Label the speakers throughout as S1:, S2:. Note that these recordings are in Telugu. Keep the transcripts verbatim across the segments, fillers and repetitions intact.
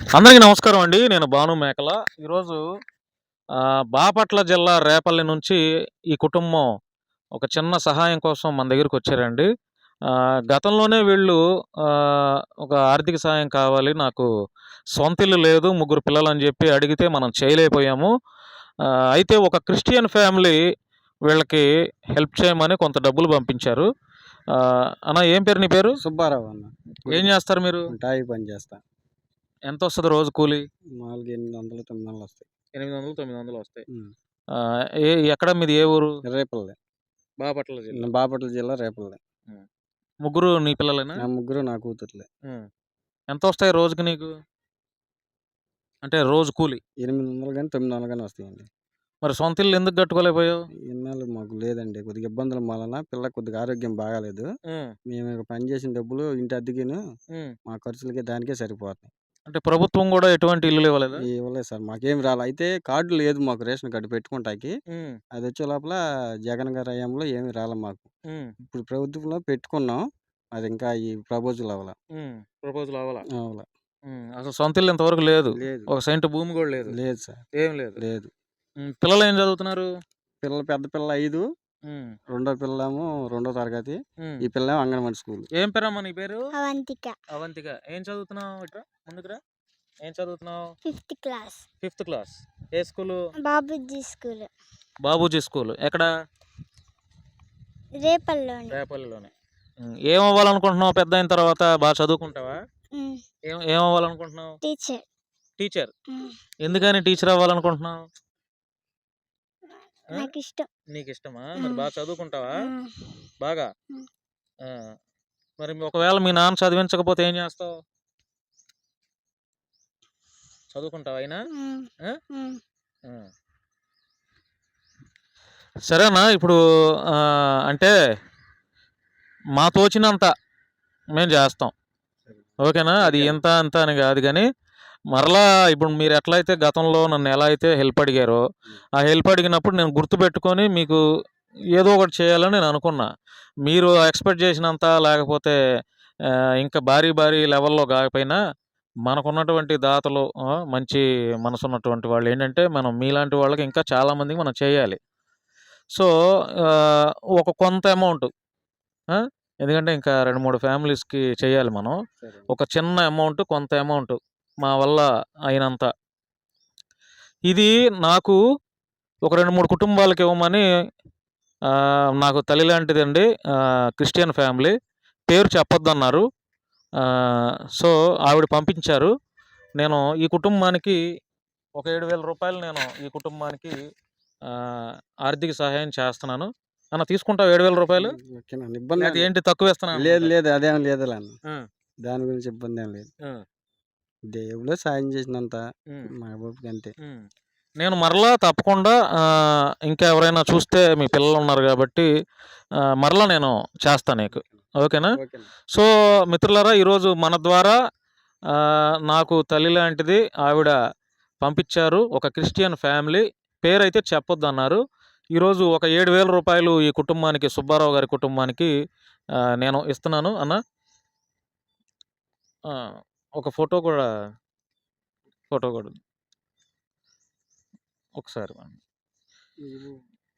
S1: అందరికీ నమస్కారం అండి. నేను భాను మేకల. ఈరోజు ఆహ్, బాపట్ల జిల్లా రేపల్లి నుంచి ఈ కుటుంబం ఒక చిన్న సహాయం కోసం మన దగ్గరికొచ్చారండి. ఆహ్, గతంలోనే వీళ్ళు ఆహ్, ఒక ఆర్థిక సహాయం కావాలి, నాకు సొంతిల్లు లేదు, ముగ్గురు పిల్లలని జెప్పి అడిగితే మనం చేయలేకపోయాము. ఆహ్, అయితే ఒక క్రిస్టియన్ ఫ్యామిలీ వీళ్ళకి హెల్ప్ చేయమని కొంత డబ్బులు పంపించారు. ఆహ్, అన్న ఏం పేరు నీ పేరు?
S2: సుబ్బారావు అన్న.
S1: ఏం జేస్తారు మీరు?
S2: టాయి పని చేస్తా.
S1: ఎంతొస్తది రోజు కూలి?
S2: నాలుగు, ఎనిమిది వందలు, తొమ్మిది వందలు వస్తాయి.
S1: ఎనిమిది వందలు, తొమ్మిది వందలు వస్తాయి.
S2: హ్మ్.
S1: ఆహ్, ఏ ఎక్కడ మీది ఏ ఊరు?
S2: రేపల్లె.
S1: బాపట్ల జిల్లా.
S2: బాపట్ల జిల్లా రేపల్లె.
S1: హ్మ్. ముగ్గురు నీ పిల్లలేనా?
S2: నా ముగ్గురు నా కూతుర్లే.
S1: హ్మ్. ఎంతొస్తాయి రోజుకి నీకు? అంటే రోజు కూలి.
S2: ఎనిమిది వందలు గాని, తొమ్మిది వందలు గాని వస్తాయండి.
S1: మరి సొంత ఇల్లు ఎందుకు కట్టుకోలేకపోయావు?
S2: ఇన్నాళ్ళు మాకు లేదండి. కొద్దిగా ఇబ్బందుల వలన పిల్లకి కొద్దిగా ఆరోగ్యం బాగాలేదు.
S1: హ్మ్.
S2: మేము ఇక పని చేసిన డబ్బులు ఇంటి అద్దెకిను
S1: హ్మ్.
S2: మా ఖర్చులకి దానికే సరిపోతున్నాయి.
S1: అంటే ప్రభుత్వం గూడా ఎటువంటి ఇల్లులు ఇవ్వలేదా?
S2: ఇవ్వలేదు సార్. మాకేమి రాలే. అయితే కార్డు లేదు మాకు, రేషన్ కార్డు పెట్టుకుంటాకి.
S1: హ్మ్.
S2: అదొచ్చే లోపల జగన్ గారి హయాంలో ఏమి రాలే మాకు.
S1: హ్మ్.
S2: ఇప్పుడు ప్రభుత్వంలో పెట్టుకున్నాం. అది ఇంకా ఈ ప్రపోజల్ అవ్వల.
S1: హ్మ్. ప్రపోజల్ అవ్వలా.
S2: అవ్వల.
S1: హ్మ్. అసలు సొంత ఇల్లు ఇంతవరకు లేదు.
S2: లేదు.
S1: ఒక సెంటు భూమి గూడా లేదు.
S2: లేదు సార్.
S1: ఏం లేదు.
S2: లేదు.
S1: హ్మ్. పిల్లలేం చదువుతున్నారు?
S2: పిల్లలు, పెద్ద పిల్ల ఐదు,
S1: హ్మ్.
S2: రెండో పిల్లేమో రెండో తరగతి.
S1: హ్మ్.
S2: ఈ పిల్లేమో అంగన్వాడీ స్కూల్.
S1: ఏం పేరమ్మా నీ పేరు?
S3: అవంతిక.
S1: అవంతిక. ఏం చదువుతున్నావు? ఇట్రా ముందుకు రా. ఏం చదువుతున్నావు?
S3: Fifth class.
S1: Fifth class. ఏ school?
S3: Babuji school.
S1: Babuji school. ఎక్కడ?
S3: రేపల్లోని.
S1: రేపల్లిలోనే. హ్మ్. ఏం అవ్వాలనుకుంటున్నావు పెద్దయిన తర్వాత? బా చదువుకుంటావా?
S3: హ్మ్.
S1: ఏం ఏం అవ్వాలనుకుంటున్నావు?
S3: టీచర్.
S1: టీచర్.
S3: హ్మ్.
S1: ఎందుకని టీచర్ అవ్వాలనుకుంటున్నావు? ఆ?
S3: నాకిష్టం.
S1: నీకిష్టమా? మరి బా చదువుకుంటావా?
S3: హ్మ్.
S1: బాగా?
S3: హ్మ్.
S1: ఆ! మరి ఒకవేళ మీ నాన్న చదివించకపోతే ఏం చేస్తావు? చదువుకుంటావా అయినా?
S3: హ్మ్.
S1: ఆ?
S3: హ్మ్.
S1: ఆ. సరేనా ఇప్పుడు ఆహ్, అంటే మా తోచినంత మేము చేస్తాం. ఓకేనా? అది ఇంత, అంత అని గాదు గానీ, మరలా ఇప్పుడు మీరు ఎట్లయితే గతంలో నన్ను ఎలా అయితే హెల్ప్ అడిగారో, ఆ హెల్ప్ అడిగినప్పుడు నేను గుర్తుపెట్టుకొని మీకు ఏదో ఒకటి చేయాలని నేను అనుకున్నా. మీరు ఎక్స్‌పెక్ట్ చేసినంత లేకపోతే ఆహ్, ఇంకా భారీ, భారీ లెవెల్‌లో గాకపోయినా, మనకున్నటువంటి దాతలు ఆహ్, మంచి మనసున్నటువంటి వాళ్ళేంటంటే, మనం మీలాంటి వాళ్ళకి ఇంకా చాలా మందికి మనం చేయాలి. సో, ఆహ్, ఒక కొంత అమౌంట్ ఆ! ఎందుకంటే ఇంకా రెండు, మూడు ఫ్యామిలీస్‌కి చేయాలి మనం.
S2: సరే.
S1: ఒక చిన్న అమౌంట్, కొంత అమౌంట్ మా వల్ల అయినంత. ఇది నాకు ఒక రెండు, మూడు కుటుంబాలకి ఇవ్వమని ఆహ్, నాకు తల్లి లాంటిదండి. ఆహ్, క్రిస్టియన్ ఫ్యామిలీ. పేరు చెప్పొద్దన్నారు. ఆహ్, సో, ఆవిడ పంపించారు. నేను ఈ కుటుంబానికి ఒక రూ. ఏడు వేలు నేను ఈ కుటుంబానికి ఆహ్, ఆర్థిక సహాయం చేస్తున్నాను. అన్న తీసుకుంటావా రూ. ఏడు వేలు?
S2: హ్మ్. ఓకేనండి. ఇబ్బందేం
S1: లేతే
S2: లేదు.
S1: ఏంటి తక్కువిస్తున్నాను
S2: లేదు,
S1: అనుకుంటావా?
S2: లేదు. అదేం లేదులే అన్న.
S1: ఆ!
S2: దాని గురించి ఇబ్బందేం లేదు.
S1: ఆ!
S2: దేవుడే సాయం చేసినంత
S1: హ్మ్.
S2: మా బాబుకి అంతే.
S1: హ్మ్. నేను మరలా తప్పకుండా ఆహ్, ఇంకా ఎవరైనా చూస్తే మీ పిల్లలున్నారు గాబట్టి ఆహ్, మరలా నేను చేస్తా నీకు. ఓకేనా?
S2: ఓకేనండి.
S1: సో, మిత్రులారా ఈరోజు మన ద్వారా ఆహ్, నాకు తల్లి లాంటిది ఆవిడ పంపించారు. ఒక క్రిస్టియన్ ఫ్యామిలీ. పేరైతే చెప్పొద్దన్నారు. ఈరోజు ఒక రూ. ఏడు వేలు ఈ కుటుంబానికి, సుబ్బారావు గారి కుటుంబానికి ఆహ్, నేను ఇస్తున్నాను అన్న. ఆ! ఒక ఫోటో కూడా ఫోటో కూడా ఒకసారి
S2: మీరు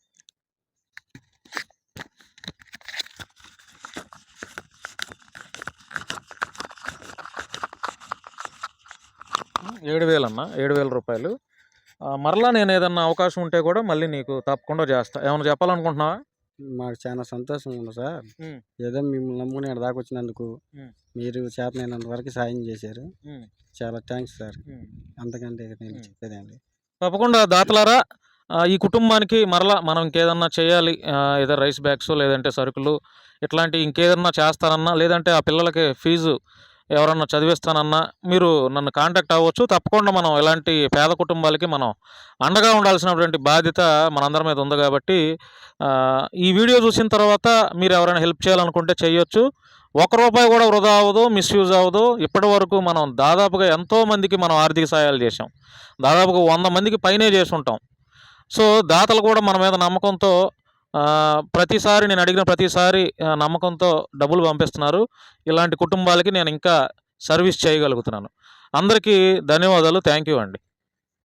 S1: ఏడు వేలు అన్న. రూ. ఏడు వేలు. ఆహ్, మరలా నేనేదన్నా అవకాశం ఉంటే కూడా మళ్ళీ నీకు తప్పకుండా చేస్తా. ఏమన్నా చెప్పాలనుకుంటున్నావా?
S2: మాకు చాలా సంతోషంగా ఉంది సార్.
S1: హ్మ్.
S2: ఏదో మిమ్మల్ని నమ్ముకొని ఈడ దాకొచ్చినందుకు
S1: హ్మ్.
S2: మీరు చేతనైనంత వరకు సాయం చేశారు.
S1: హ్మ్.
S2: చాలా థాంక్స్ సార్.
S1: హ్మ్.
S2: అంతకంటే ఇక నేను
S1: హ్మ్.
S2: చెప్పేదేం లేదు.
S1: తప్పకుండా దాతలారా ఆహ్, ఈ కుటుంబానికి మరలా మనం ఇంకేదన్నా చేయాలి. ఆహ్, ఏదో రైస్ బ్యాగ్సో లేదంటే సరుకులు ఇట్లాంటి ఇంకేదన్నా చేస్తానన్నా లేదంటే ఆ పిల్లలకి ఫీజు ఎవరన్నా చదివిస్తానన్నా మీరు నన్ను కాంటాక్ట్ అవ్వచ్చు. తప్పకుండా మనం ఇలాంటి పేద కుటుంబాలకి మనం అండగా ఉండాల్సినటువంటి బాధ్యత మనందరి మీద ఉంది గాబట్టి ఆహ్, ఈ వీడియో చూసిన తర్వాత మీరు ఎవరైనా హెల్ప్ చేయాలనుకుంటే చేయొచ్చు. ఒక్క రూపాయి కూడా వృధా అవ్వదు, మిస్‌యూజ్ అవ్వదు. ఇప్పటివరకు మనం దాదాపుగా ఎంతో మందికి మనం ఆర్థిక సహాయాలు చేశాం. దాదాపుగా వంద మందికి పైనే చేసుంటాం. సో, దాతలు కూడా మన మీద నమ్మకంతో ఆహ్, ప్రతిసారి నేను అడిగిన ప్రతిసారి ఆహ్, నమ్మకంతో డబ్బులు పంపిస్తున్నారు. ఇలాంటి కుటుంబాలకి నేను ఇంకా సర్వీస్ చేయగలుగుతున్నాను. అందరికీ ధన్యవాదాలు. థ్యాంక్ యూ అండి.